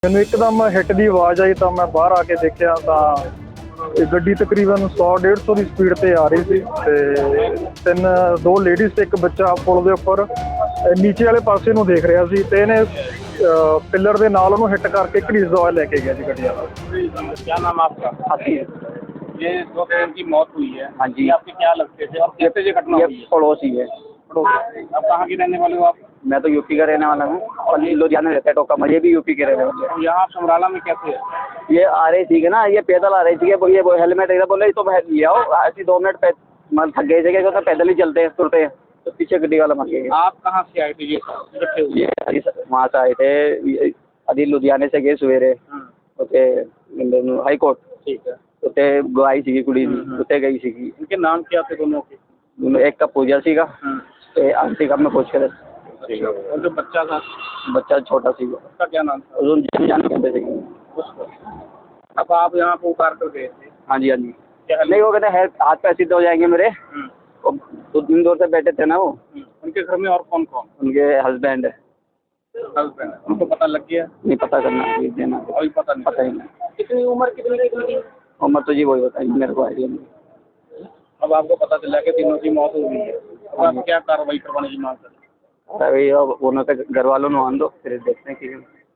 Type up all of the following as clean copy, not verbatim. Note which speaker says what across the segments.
Speaker 1: ਮੈਨੂੰ ਇੱਕਦਮ ਹਿੱਟ ਦੀ ਆਵਾਜ਼ ਆਈ ਤਾਂ ਮੈਂ ਬਾਹਰ ਆ ਕੇ ਦੇਖਿਆ ਤਾਂ ਇਹ ਗੱਡੀ ਤਕਰੀਬਨ 100-150 ਦੀ ਸਪੀਡ ਤੇ ਆ ਰਹੀ ਸੀ ਤੇ ਦੋ ਲੇਡੀਜ਼ ਤੇ ਇੱਕ ਬੱਚਾ ਪੁਲ ਦੇ ਉੱਪਰ ਨੀਚੇ ਵਾਲੇ ਪਾਸੇ ਨੂੰ ਦੇਖ ਰਿਹਾ ਸੀ ਤੇ ਇਹਨੇ पिलर ਦੇ ਨਾਲ ਉਹਨੂੰ ਹਿੱਟ ਕਰਕੇ ਘੜੀਸਦਾ ਹੋਇਆ ਲੈ ਕੇ ਗਿਆ ਜੀ ਗੱਡੀ वाला।
Speaker 2: क्या नाम आपका?
Speaker 3: हाथी।
Speaker 2: ये दो बहन की मौत हुई है।
Speaker 3: हाँ जी।
Speaker 2: ये आपके क्या लगते थे और कैसे ये घटना
Speaker 3: ये
Speaker 2: हुई है?
Speaker 3: पड़ोसी है।
Speaker 2: आप कहाँ के रहने वाले हो आप?
Speaker 3: मैं तो यूपी का रहने वाला हूँ और ये लुधियाना रहता है टोका ये भी यूपी के रहने वाले हैं।
Speaker 2: और यहाँ समराला में कैसे है?
Speaker 3: ये आ रही थी ना, ये पैदल आ रही थी, ये वो हेलमेट एकदम बोले तो ले आओ, ऐसी 2 मिनट मतलब थक गए थे तो पैदल ही चलते हैं तुरते हैं तो पीछे गड्डी वाला मर गया।
Speaker 2: आप कहाँ से आए थे ये इकट्ठे हुए?
Speaker 3: ये वहाँ से आए थे अभी लुधियाने से गए सवेरे उते हाई कोर्ट
Speaker 2: ठीक है।
Speaker 3: उते गई सी कुड़ी उते गई सी।
Speaker 2: इनके नाम क्या थे दोनों के?
Speaker 3: एक का पूजा सीगा ते आंटी का मैं पूछ कर
Speaker 2: ठीक है। और जो बच्चा था
Speaker 3: बच्चा छोटा सी
Speaker 2: उसका क्या नाम था?
Speaker 3: उसको जान कहते थे।
Speaker 2: उसको अब आप यहाँ को उतार कर गए थे?
Speaker 3: हाँ जी, हाँ जी।
Speaker 2: क्या
Speaker 3: नहीं वो कहते हैं हाथ पैर सीधे हो जाएंगे मेरे। तो 2 दिन दूर से बैठे थे ना वो।
Speaker 2: उनके घर में और कौन कौन?
Speaker 3: उनके हस्बैंड है।
Speaker 2: हस्बैंड। उनको पता लग गया?
Speaker 3: नहीं पता करना देना
Speaker 2: अभी पता नहीं।
Speaker 3: पता ही नहीं।
Speaker 2: कितनी उम्र कितनी?
Speaker 3: उम्र तो जी वही बताइए मेरे को आइडिया नहीं।
Speaker 2: अब आपको पता चला कि तीनों की मौत हो गई है, अब आप क्या कार्रवाई करवाने की मांग करें?
Speaker 3: अरे अब उन्होंने तो घर वालों ने आन दो फिर देखते हैं कि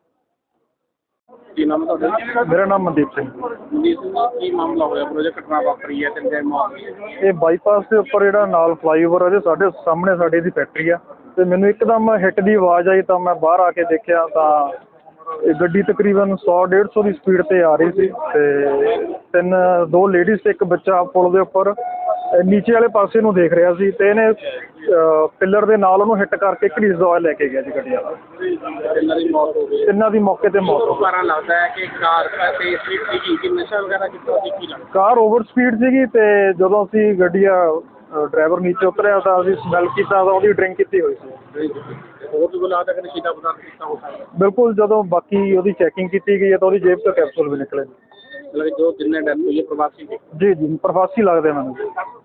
Speaker 2: ਕੀ ਨਾਮ ਹੈ ਤੁਹਾਡਾ?
Speaker 1: ਮੇਰਾ ਨਾਮ ਮਨਦੀਪ ਸਿੰਘ।
Speaker 2: ਮਨਦੀਪ ਸਿੰਘ ਜੀ, ਕੀ ਮਾਮਲਾ ਹੋਇਆ? ਪ੍ਰੋਜੈਕਟ ਘਟਨਾ ਵਾਪਰੀ ਹੈ ਤੇ ਮੌਤ ਹੋਈ ਹੈ।
Speaker 1: ਇਹ ਬਾਈਪਾਸ ਦੇ ਉੱਪਰ ਜਿਹੜਾ ਨਾਲ ਫਲਾਈਓਵਰ ਉਹਦੇ ਸਾਡੇ ਸਾਹਮਣੇ ਸਾਡੀ ਦੀ ਫੈਕਟਰੀ ਆ ਤੇ ਮੈਨੂੰ ਇੱਕਦਮ ਹਿੱਟ ਦੀ ਆਵਾਜ਼ ਆਈ ਤਾਂ ਮੈਂ ਬਾਹਰ ਆ ਕੇ ਦੇਖਿਆ ਤਾਂ ਇਹ ਗੱਡੀ ਤਕਰੀਬਨ 100-150 ਦੀ ਸਪੀਡ ਤੇ ਆ ਰਹੀ ਸੀ ਤੇ ਦੋ ਲੇਡੀਜ਼ ਤੇ ਇੱਕ ਬੱਚਾ ਪੁਲ ਦੇ ਉੱਪਰ ਨੀਚੇ ਵਾਲੇ ਪਾਸੇ ਨੂੰ ਦੇਖ ਰਿਹਾ ਸੀ ਤੇ ਇਹਨੇ ਪਿਲਰ ਦੇ ਨਾਲ ਉਹਨੂੰ ਹਿੱਟ ਕਰਕੇ ਘੜੀਸਦਾ ਹੋਇਆ ਲੈ ਕੇ ਗਿਆ ਜੀ ਗੱਡੀ ਵਾਲਾ।
Speaker 2: ਇਹਨਾਂ ਦੀ ਮੌਤ ਹੋ ਗਈ।
Speaker 1: ਤਿੰਨਾਂ ਦੀ ਮੌਕੇ ਤੇ ਮੌਤ ਹੋ ਗਈ।
Speaker 2: ਕਾਰਨ ਲੱਗਦਾ ਹੈ ਕਿ ਕਾਰ ਤੇ ਸਪੀਡ ਸੀਗੀ ਕਿ ਨਸ਼ਾ ਵਗੈਰਾ ਕੀਤਾ ਸੀ, ਕੀ ਲੱਗਦਾ?
Speaker 1: ਕਾਰ ਓਵਰ ਸਪੀਡ ਸੀਗੀ ਤੇ ਜਦੋਂ ਅਸੀਂ ਗੱਡੀ ਡਰਾਈਵਰ ਨੀਚੇ ਉਤਰਿਆ ਤਾਂ ਅਸੀਂ ਸਮੈਲ ਕੀਤਾ ਤਾਂ ਉਹਦੀ ਡਰਿੰਕ ਕੀਤੀ ਹੋਈ ਸੀ।
Speaker 2: ਹੋਰ ਵੀ ਲੱਗਦਾ ਕਿ ਨਸ਼ੀਲਾ ਪਦਾਰਥ ਕੀਤਾ ਹੋ ਸਕਦਾ?
Speaker 1: ਬਿਲਕੁਲ ਜਦੋਂ ਬਾਕੀ ਉਹਦੀ ਚੈਕਿੰਗ ਕੀਤੀ ਗਈ ਹੈ ਤਾਂ ਉਹਦੀ ਜੇਬ ਤੋਂ ਕੈਪਸੂਲ ਵੀ ਨਿਕਲੇ।
Speaker 2: ਮਤਲਬ ਜੋ ਜਿੰਨੇ ਡੈਥ ਹੋਈ ਹੈ ਪ੍ਰਵਾਸੀ ਦੇ?
Speaker 1: ਜੀ ਜੀ ਪ੍ਰਵਾਸੀ ਲੱਗਦੇ ਮੈਨੂੰ।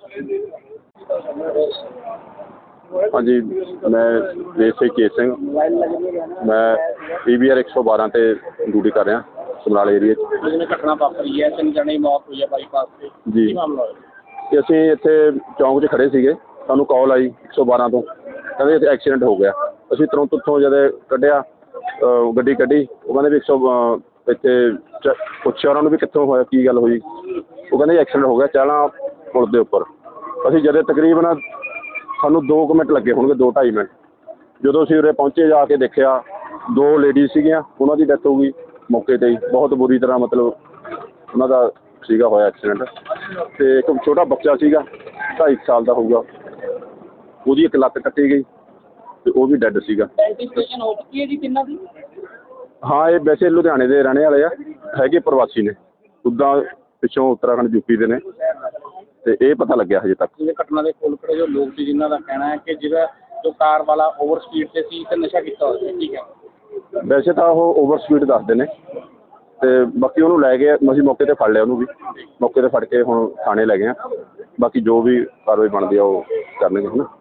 Speaker 4: हाँ जी, मैं देसी केस सिंह, मैं PBR 112 ਤੇ ਡਿਊਟੀ ਕਰ ਰਿਹਾ ਸਮਰਾਲੇ ਏਰੀਏ 'ਚ।
Speaker 2: ਜਿਵੇਂ ਘਟਨਾ ਵਾਪਰੀ ਹੈ 3 ਜਣੇ ਦੀ ਮੌਤ ਹੋਈ ਹੈ ਬਾਈਪਾਸ ਤੇ,
Speaker 4: ਜੀ।
Speaker 2: ਕੀ ਮਾਮਲਾ ਹੋਇਆ?
Speaker 4: ਤੇ ਅਸੀਂ ਇੱਥੇ ਚੌਂਕ 'ਚ ਖੜੇ ਸੀਗੇ, ਸਾਨੂੰ ਕਾਲ ਆਈ 112 ਤੋਂ, ਕਹਿੰਦੇ ਇੱਥੇ ਐਕਸੀਡੈਂਟ ਹੋ ਗਿਆ। ਅਸੀਂ ਤੁਰੰਤ ਉੱਥੋਂ ਜਦੋਂ ਕੱਢਿਆ ਗੱਡੀ ਕੱਢੀ, ਉਹ ਕਹਿੰਦੇ ਵੀ 100 ਇੱਥੇ ਪੁੱਛਿਆ ਉਹਨਾਂ ਨੂੰ ਵੀ ਕਿੱਥੋਂ ਹੋਇਆ, ਕੀ ਗੱਲ ਹੋਈ। ਉਹ ਕਹਿੰਦੇ ਐਕਸੀਡੈਂਟ ਹੋ ਗਿਆ ਚਾਲਾਂ ਪੁਲ ਦੇ ਉੱਪਰ। ਅਸੀਂ ਜਦੋਂ ਤਕਰੀਬਨ ਸਾਨੂੰ 2 ਮਿੰਟ ਲੱਗੇ ਹੋਣਗੇ, 2-2.5 ਮਿੰਟ। ਜਦੋਂ ਅਸੀਂ ਉਰੇ ਪਹੁੰਚੇ ਜਾ ਕੇ ਦੇਖਿਆ 2 ਲੇਡੀਜ਼ ਸੀਗੀਆਂ, ਉਹਨਾਂ ਦੀ ਡੈਥ ਹੋ ਗਈ ਮੌਕੇ 'ਤੇ ਹੀ, ਬਹੁਤ ਬੁਰੀ ਤਰ੍ਹਾਂ ਮਤਲਬ ਉਹਨਾਂ ਦਾ ਸੀਗਾ ਹੋਇਆ ਐਕਸੀਡੈਂਟ। ਅਤੇ ਇੱਕ ਛੋਟਾ ਬੱਚਾ ਸੀਗਾ 2.5 ਸਾਲ ਦਾ ਹੋਊਗਾ, ਉਹਦੀ ਇੱਕ ਲੱਤ ਕੱਟੀ ਗਈ ਅਤੇ ਉਹ ਵੀ ਡੈੱਡ ਸੀਗਾ।
Speaker 2: ਆਈਡੈਂਟੀਫਿਕੇਸ਼ਨ ਹੋ ਚੁੱਕੀ ਹੈ ਜੀ ਤਿੰਨਾਂ ਦੀ?
Speaker 4: ਹਾਂ, ਇਹ ਵੈਸੇ ਲੁਧਿਆਣੇ ਦੇ ਰਹਿਣੇ ਵਾਲੇ ਆ, ਹੈਗੇ ਪ੍ਰਵਾਸੀ ਨੇ, ਉੱਦਾਂ ਪਿੱਛੋਂ ਉੱਤਰਾਖੰਡ ਯੂਪੀ ਦੇ ਨੇ, ਤੇ ਇਹ ਪਤਾ ਲੱਗਿਆ ਹਜੇ ਤੱਕ।
Speaker 2: ਜਿਵੇਂ ਘਟਨਾ ਦੇ ਕੋਲ ਖੜੇ ਜੋ ਲੋਕ ਸੀ ਜਿਨ੍ਹਾਂ ਦਾ ਕਹਿਣਾ ਹੈ ਕਿ ਜਿਹੜਾ ਜੋ ਕਾਰ ਵਾਲਾ ਓਵਰ ਸਪੀਡ ਤੇ ਸੀ ਤੇ ਨਸ਼ਾ ਕੀਤਾ ਹੋਇਆ ਸੀ, ਠੀਕ ਹੈ?
Speaker 4: ਵੈਸੇ ਤਾਂ ਉਹ ਓਵਰ ਸਪੀਡ ਦੱਸਦੇ ਨੇ ਤੇ ਬਾਕੀ ਉਹਨੂੰ ਲੈ ਗਏ, ਅਸੀਂ ਮੌਕੇ ਤੇ ਫੜ ਲਿਆ ਉਹਨੂੰ ਵੀ, ਮੌਕੇ ਤੇ ਫੜ ਕੇ ਹੁਣ ਥਾਣੇ ਲੈ ਗਏ ਆ। ਬਾਕੀ ਜੋ ਵੀ ਕਾਰਵਾਈ ਬਣਦੀ ਆ ਉਹ ਕਰਨਗੇ ਹੈ ਨਾ।